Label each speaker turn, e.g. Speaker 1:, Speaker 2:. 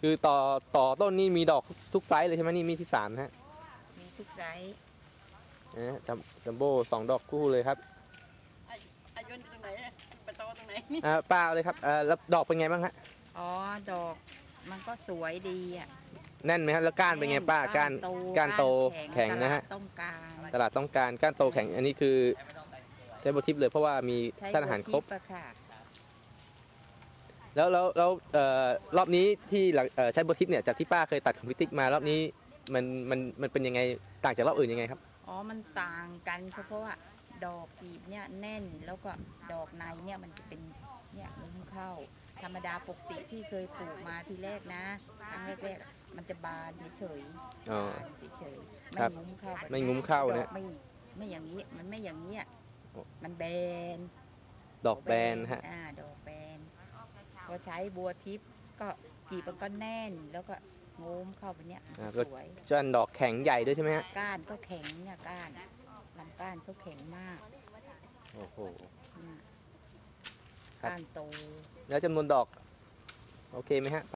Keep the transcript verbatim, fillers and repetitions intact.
Speaker 1: คือต่อต่อต้นนี่มีดอกทุกไซส์เลยใช่ไหมนี่มีที่สามนะฮะ
Speaker 2: มีทุกไซส์
Speaker 1: นะจัมจัมโบ้สองดอกคู่เลยครับ
Speaker 2: อายุตรงไหนปะโตตรงไหน
Speaker 1: อ่าเปล่าเลยครับอ่าแล้วดอกเป็นไงบ้างฮะ
Speaker 2: อ๋อดอกมันก็สวยดีอ่ะ
Speaker 1: แน่นไหมฮะแล้วก้านเป็นไงป้าก้านก้านโตแข็งนะฮะ
Speaker 2: ต้องการ
Speaker 1: ตลาดต้องการก้านโตแข็งอันนี้คือใช้โบทิปเลยเพราะว่ามีสารอาหารครบแล้วแล้วแล้วรอบนี้ที่ใช้โบทิปเนี่ยจากที่ป้าเคยตัดของพิติกมารอบนี้มันมันมันเป็นยังไงต่างจากรอบอื่นยังไงครับ
Speaker 2: อ๋อมันต่างกันเพราะว่าดอกกีบเนี่ยแน่นแล้วก็ดอกในเนี่ยมันจะเป็นเนี่ยงุ้มเข้าธรรมดาปกติที่เคยปลูกมาทีแรกนะครั้งแรกๆมันจะบานเฉยๆบานเฉยๆไม่งุ้มเข้า
Speaker 1: ไม่งุ้มเข้าเนี่ย
Speaker 2: ไม่ไม่อย่างนี้มันไม่อย่างนี้มันแบน
Speaker 1: ดอกแบนฮะ
Speaker 2: อ่าดอกแบนพอใช้บัวทิพย์ก็กีบมันก็แน่นแล้วก็งุ้มเข้าไปเนี้ยสวย
Speaker 1: จนดอกแข็งใหญ่ด้วยใช่ไหมฮะ
Speaker 2: ก้านก็แข็งเนี่ยก้านลำก้านก็แข็งมาก
Speaker 1: โอ้โห
Speaker 2: ก้านโต
Speaker 1: แล้วจำนวนดอกโอเคไหมฮะ